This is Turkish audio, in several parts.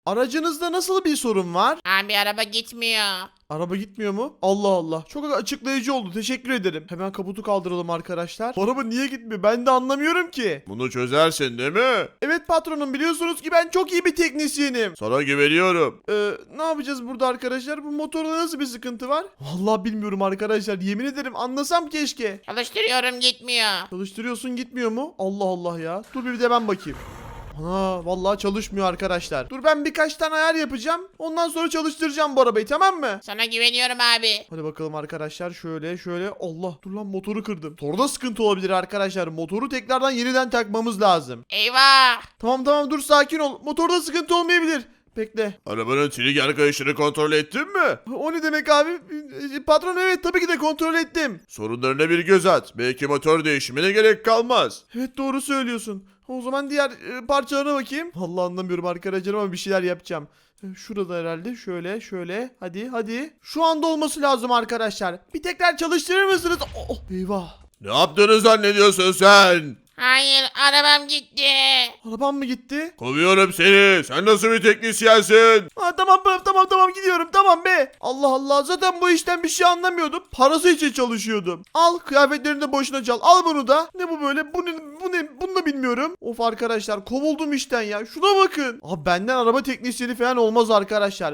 Aracınızda nasıl bir sorun var? Abi araba gitmiyor. Araba gitmiyor mu? Allah Allah. Çok açıklayıcı oldu. Teşekkür ederim. Hemen kaputu kaldıralım arkadaşlar. Bu araba niye gitmiyor? Ben de anlamıyorum ki. Bunu çözersin değil mi? Evet patronum, biliyorsunuz ki ben çok iyi bir teknisyenim. Sana güveniyorum. Ne yapacağız burada arkadaşlar? Bu motorda nasıl bir sıkıntı var? Vallahi bilmiyorum arkadaşlar. Yemin ederim anlasam keşke. Çalıştırıyorum gitmiyor. Çalıştırıyorsun, gitmiyor mu? Allah Allah ya. Dur bir de ben bakayım. Ana vallahi çalışmıyor arkadaşlar. Dur ben birkaç tane ayar yapacağım. Ondan sonra çalıştıracağım bu arabayı, tamam mı? Sana güveniyorum abi. Hadi bakalım arkadaşlar, şöyle. Allah, dur lan, motoru kırdım. Motorda sıkıntı olabilir arkadaşlar. Motoru tekrardan yeniden takmamız lazım. Eyvah. Tamam dur, sakin ol. Motorda sıkıntı olmayabilir. Bekle. Arabanın trigger kayışını kontrol ettin mi? O ne demek abi? Patron, evet tabii ki de kontrol ettim. Sorunlarına bir göz at. Belki motor değişimine gerek kalmaz. Evet, doğru söylüyorsun. O zaman diğer parçalarına bakayım. Vallahi anlamıyorum arkadaşlar ama bir şeyler yapacağım. Şurada herhalde, şöyle. Hadi. Şu anda olması lazım arkadaşlar. Bir tekrar çalıştırır mısınız? Oh, eyvah. Ne yaptığını zannediyorsun sen? Hayır arabam gitti. Arabam mı gitti? Kovuyorum seni. Sen nasıl bir teknisyensin? Tamam gidiyorum, tamam be. Allah Allah, zaten bu işten bir şey anlamıyordum. Parası için çalışıyordum. Al, kıyafetlerini de boşuna çal. Al bunu da. Ne bu böyle? Bu ne? Bunu da bilmiyorum. Of arkadaşlar, kovuldum işten ya. Şuna bakın. Abi benden araba teknisyeni falan olmaz arkadaşlar.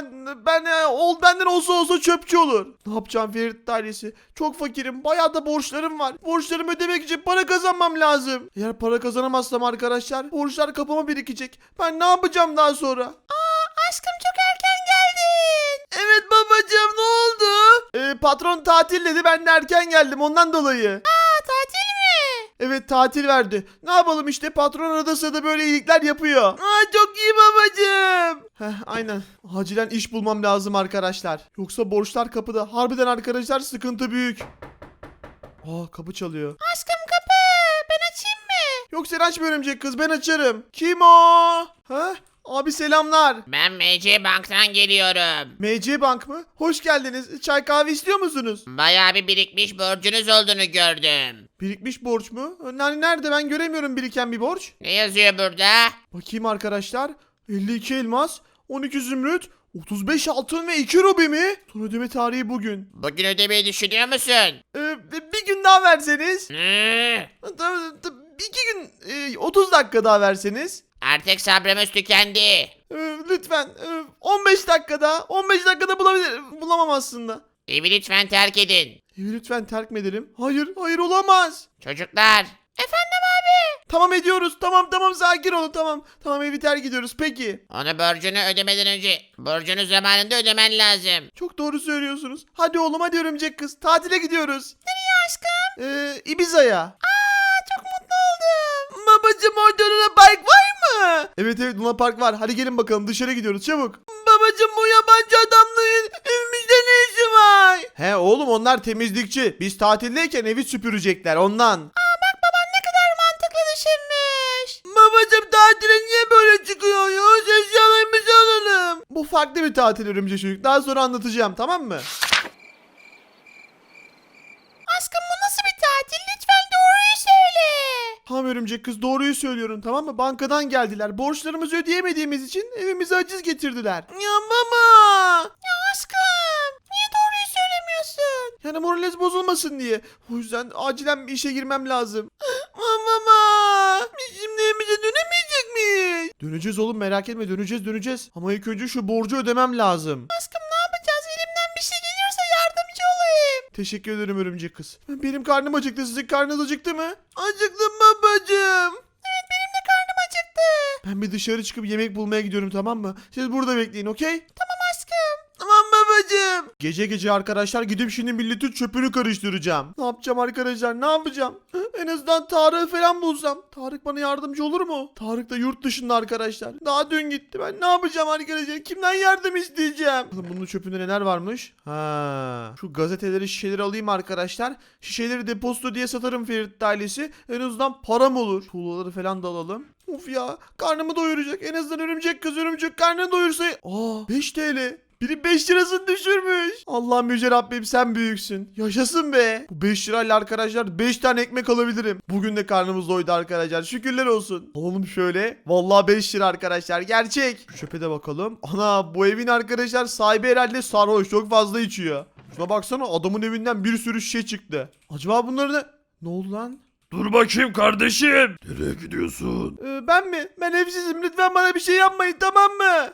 Benden olsa çöpçü olur. Ne yapacağım Ferit ailesi? Çok fakirim. Bayağı da borçlarım var. Borçlarımı ödemek için para kazanmam lazım. Eğer para kazanamazsam arkadaşlar, borçlar kapıma birikecek. Ben ne yapacağım daha sonra? Aşkım çok erken geldin. Evet babacığım, ne oldu? Patron tatil dedi, ben de erken geldim ondan dolayı. Tatil mi? Evet, tatil verdi. Ne yapalım işte, patron arada sırada böyle iyilikler yapıyor. Çok iyi babacığım. Aynen. Acilen iş bulmam lazım arkadaşlar. Yoksa borçlar kapıda. Harbiden arkadaşlar, sıkıntı büyük. Kapı çalıyor. Aşkım kapı. Ben açayım mı? Yok, sen açma örümcek kız, ben açarım. Kim o? Abi selamlar. Ben MC Bank'tan geliyorum. MC Bank mı? Hoş geldiniz. Çay kahve istiyor musunuz? Bayağı bir birikmiş borcunuz olduğunu gördüm. Birikmiş borç mu? Nerede, ben göremiyorum biriken bir borç. Ne yazıyor burada? Bakayım arkadaşlar. 52 elmas, 12 zümrüt, 35 altın ve 2 rubi mi? Son ödeme tarihi bugün. Bugün ödemeyi düşünüyor musun? Bir gün daha verseniz. Ne? 2 gün, 30 dakika daha verseniz. Artık sabrımız tükendi. Lütfen 15 dakikada. 15 dakikada bulamam aslında. Evi lütfen terk edin. Evi lütfen terk mi edelim? Hayır olamaz. Çocuklar. Efendim abi. Tamam ediyoruz. Tamam sakin olun, tamam. Tamam, evi terk ediyoruz peki. Onu borcunu ödemeden önce borcunu zamanında ödemen lazım. Çok doğru söylüyorsunuz. Hadi oğlum, hadi örümcek kız. Tatile gidiyoruz. Nereye aşkım? Ibiza'ya. Çok mutlu oldum. Babacım, orada Luna Park var mı? Evet Luna Park var. Hadi gelin bakalım, dışarı gidiyoruz çabuk. Babacım, bu yabancı adamların evimizde ne işi var? He oğlum, onlar temizlikçi. Biz tatildeyken evi süpürecekler ondan. Baban ne kadar mantıklı düşünmüş. Babacım, tatile niye böyle çıkıyoruz? Eşyalarımızı alalım. Bu farklı bir tatil örümcek çocuk. Daha sonra anlatacağım, tamam mı? Aşkım bu nasıl bir tatil? Lütfen doğruyu söyle. Tamam örümcek kız, doğruyu söylüyorum, tamam mı? Bankadan geldiler. Borçlarımızı ödeyemediğimiz için evimize haciz getirdiler. Ya baba. Ya aşkım niye doğruyu söylemiyorsun? Yani moraliniz bozulmasın diye. O yüzden acilen bir işe girmem lazım. Mama. Biz şimdi evimize dönemeyecek miyiz? Döneceğiz oğlum, merak etme, döneceğiz. Ama ilk önce şu borcu ödemem lazım. Aşkım ne yapacağız? Elimden bir şey geliyorsa yardımcı olayım. Teşekkür ederim örümcek kız. Benim karnım acıktı. Sizin karnınız acıktı mı? Acıktım babacığım. Evet benim de karnım acıktı. Ben bir dışarı çıkıp yemek bulmaya gidiyorum, tamam mı? Siz burada bekleyin, okey? Tamam aşkım. Tamam babacığım. Gece arkadaşlar gidip şimdi milletin çöpünü karıştıracağım. Ne yapacağım arkadaşlar, ne yapacağım? En azından Tarık'ı falan bulsam. Tarık bana yardımcı olur mu? Tarık da yurt dışında arkadaşlar. Daha dün gitti. Ben ne yapacağım arkadaşlar? Kimden yardım isteyeceğim? Bunun çöpünde neler varmış? Şu gazeteleri, şişeleri alayım arkadaşlar. Şişeleri depozito diye satarım Ferit ailesi. En azından param olur. Tuğlaları falan da alalım. Of ya, karnımı doyuracak. En azından örümcek kız örümcek karnını doyursa. 5 TL. Biri 5 lirasını düşürmüş. Allah'ım yüce Rabbim sen büyüksün. Yaşasın be. Bu 5 lirayla arkadaşlar 5 tane ekmek alabilirim. Bugün de karnımız doydu arkadaşlar. Şükürler olsun. Alalım şöyle. Vallahi 5 lira arkadaşlar. Gerçek. Şu çöpe de bakalım. Ana bu evin arkadaşlar sahibi herhalde sarhoş. Çok fazla içiyor. Şuna baksana adamın evinden bir sürü şişe çıktı. Acaba bunları ne oldu lan? Dur bakayım kardeşim. Nereye gidiyorsun? Ben mi? Ben evsizim. Lütfen bana bir şey yapmayın tamam mı?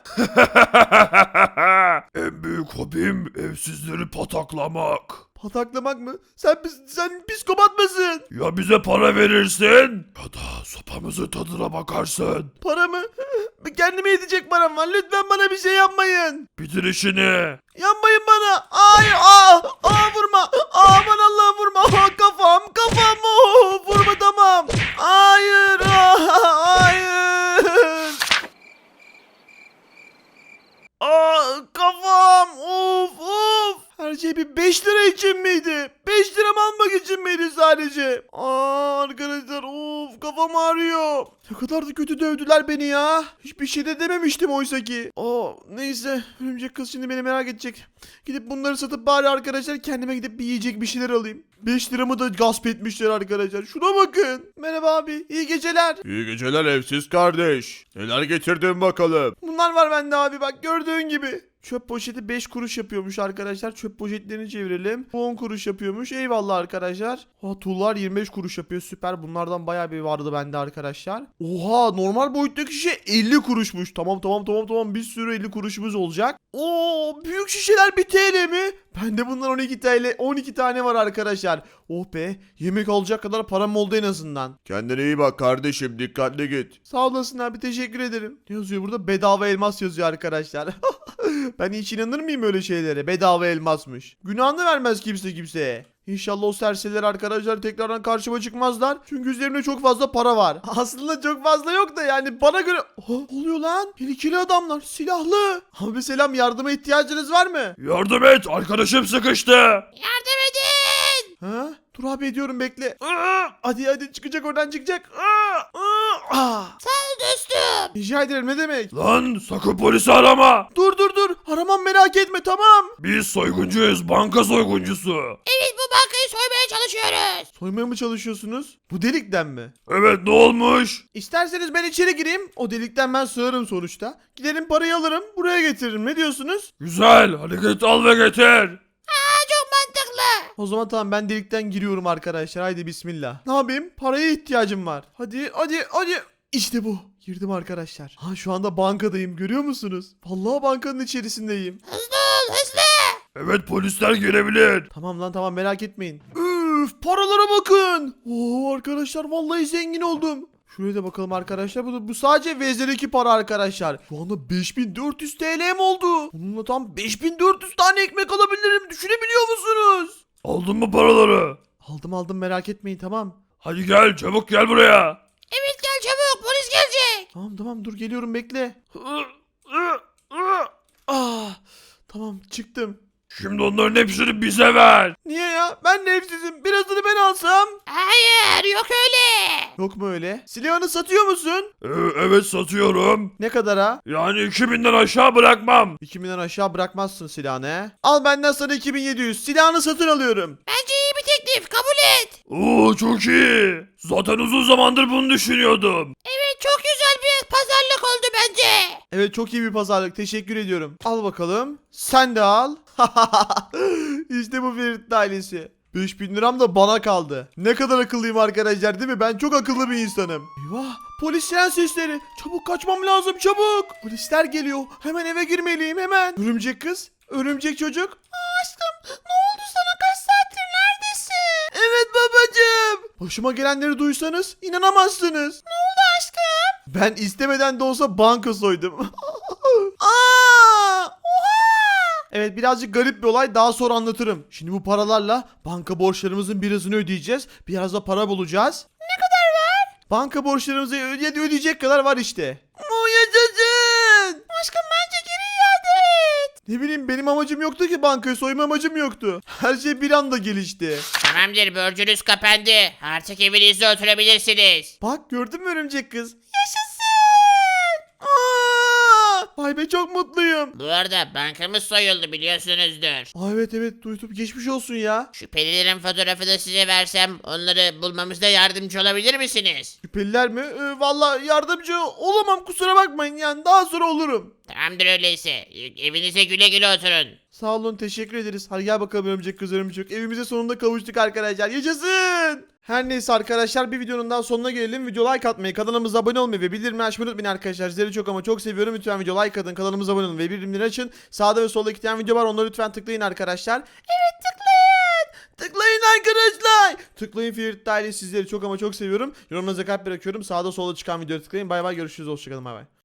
En büyük hobim evsizleri pataklamak. Pataklamak mı? Sen psikopat mısın? Ya bize para verirsin ya da sopamızın tadına bakarsın. Para mı? Kendime yetecek param var. Lütfen bana bir şey yapmayın. Bitir işini. Yapmayın bana. Ay, vurma. Aman Allah'ım vurma. Kafam. Vurma tamam. Hayır. Hayır. Kafam. Of. Her şey bir 5 lira için miydi? 5 liram almak için miydi sadece? Arkadaşlar kafam ağrıyor. Ne kadar da kötü dövdüler beni ya. Hiçbir şey de dememiştim oysa ki. Neyse. Örümcek kız şimdi beni merak edecek. Gidip bunları satıp bari arkadaşlar kendime gidip bir yiyecek bir şeyler alayım. 5 liramı da gasp etmişler arkadaşlar. Şuna bakın. Merhaba abi. İyi geceler. İyi geceler evsiz kardeş. Neler getirdin bakalım? Bunlar var bende abi bak gördüğün gibi. Çöp poşeti 5 kuruş yapıyormuş arkadaşlar. Çöp poşetlerini çevirelim. Bu 10 kuruş yapıyormuş. Eyvallah arkadaşlar. Tuğlar 25 kuruş yapıyor. Süper. Bunlardan bayağı bir vardı bende arkadaşlar. Oha normal boyuttaki şişe 50 kuruşmuş. Tamam. Bir sürü 50 kuruşumuz olacak. Büyük şişeler 1 TL mi? Bende bundan 12 tane var arkadaşlar. Oh be. Yemek alacak kadar param oldu en azından. Kendine iyi bak kardeşim, dikkatli git. Sağ olasın abi teşekkür ederim. Ne yazıyor burada? Bedava elmas yazıyor arkadaşlar. Ben hiç inanır mıyım öyle şeylere? Bedava elmasmış. Günahını vermez kimse kimseye. İnşallah o serseriler arkadaşlar tekrardan karşıma çıkmazlar. Çünkü üzerimde çok fazla para var. Aslında çok fazla yok da yani bana göre... oluyor lan. Tehlikeli adamlar. Silahlı. Abi selam yardıma ihtiyacınız var mı? Yardım et, arkadaşım sıkıştı. Yardım edin. Ha? Dur abi ediyorum bekle. Hadi çıkacak oradan çıkacak. Sağ ol dostum. Rica ederim ne demek? Lan sakın polisi arama. Dur. Aramam merak etme tamam. Biz soyguncuyuz, banka soyguncusu. Evet bu bankayı soymaya çalışıyoruz. Soymaya mı çalışıyorsunuz? Bu delikten mi? Evet, ne olmuş? İsterseniz ben içeri gireyim. O delikten ben sığarım sonuçta. Giderim parayı alırım. Buraya getiririm. Ne diyorsunuz? Güzel, hadi git al ve getir. Çok mantıklı. O zaman tamam ben delikten giriyorum arkadaşlar. Haydi bismillah. Ne yapayım? Paraya ihtiyacım var. Hadi. İşte bu. Girdim arkadaşlar. Şu anda bankadayım. Görüyor musunuz? Vallahi bankanın içerisindeyim. Hızlı ol hızlı. Evet, polisler gelebilir. Tamam lan tamam merak etmeyin. Üf paralara bakın. Arkadaşlar vallahi zengin oldum. Şuraya da bakalım arkadaşlar. Bu sadece vezne'deki para arkadaşlar. Şu anda 5400 TL'm oldu. Bununla tam 5400 tane ekmek alabilirim. Düşünebiliyor musunuz? Aldın mı paraları? Aldım merak etmeyin tamam. Hadi gel, çabuk gel buraya. Evet gel çabuk polis gelecek. Tamam dur geliyorum bekle. Tamam çıktım. Şimdi onların hepsini bize ver. Niye ya? Ben de evsizim. Birazını ben alsam. Hayır yok öyle. Yok mu öyle? Silahını satıyor musun? Evet, satıyorum. Ne kadara? Yani 2000'den aşağı bırakmam. 2000'den aşağı bırakmazsın silahını he. Al benden sana 2700. Silahını satın alıyorum. Bence iyi bir teklif kabul et. Oo, çok iyi. Zaten uzun zamandır bunu düşünüyordum. Evet çok güzel bir pazarlık oldu bence. Evet çok iyi bir pazarlık. Teşekkür ediyorum. Al bakalım. Sen de al. İşte bu Ferit ailesi. 5000 liram da bana kaldı. Ne kadar akıllıyım arkadaşlar değil mi? Ben çok akıllı bir insanım. Eyvah polis siren sesleri. Çabuk kaçmam lazım çabuk. Polisler geliyor. Hemen eve girmeliyim hemen. Örümcek kız. Örümcek çocuk. Aşkım ne oldu sana kaç saattir neredesin? Evet babacığım. Başıma gelenleri duysanız inanamazsınız. Ne oldu aşkım? Ben istemeden de olsa banka soydum. Evet birazcık garip bir olay daha sonra anlatırım. Şimdi bu paralarla banka borçlarımızın birazını ödeyeceğiz. Biraz da para bulacağız. Ne kadar var? Banka borçlarımızı ödeyecek kadar var işte. Yaşasın. Aşkım bence geri iade et. Ne bileyim benim amacım yoktu ki bankayı soyma amacım yoktu. Her şey bir anda gelişti. Tamamdır borcunuz kapandı. Artık evinizde oturabilirsiniz. Bak gördün mü örümcek kız? Yaşasın. Vay be çok mutluyum. Bu arada bankamız soyuldu biliyorsunuzdur. Evet duydum geçmiş olsun ya. Şüphelilerin fotoğrafı da size versem onları bulmamızda yardımcı olabilir misiniz? Şüpheliler mi? Valla yardımcı olamam kusura bakmayın yani daha sonra olurum. Tamamdır öyleyse. Evinize güle güle oturun. Sağ olun teşekkür ederiz. Hadi gel bakalım örümcek kız örümcek. Evimize sonunda kavuştuk arkadaşlar. Yaşasın. Her neyse arkadaşlar bir videonun daha sonuna gelelim. Video like atmayı, kanalımıza abone olmayı ve bildirimleri açmayı unutmayın arkadaşlar. Sizleri çok ama çok seviyorum. Lütfen video like atın, kanalımıza abone olun ve bildirimleri açın. Sağda ve solda 2 tane video var. Onları lütfen tıklayın arkadaşlar. Evet tıklayın. Tıklayın arkadaşlar. Tıklayın Ferit Daire sizleri çok ama çok seviyorum. Yorumlarınıza kalp bırakıyorum. Sağda solda çıkan videoya tıklayın. Bay bay görüşürüz. Hoşçakalın bay bay.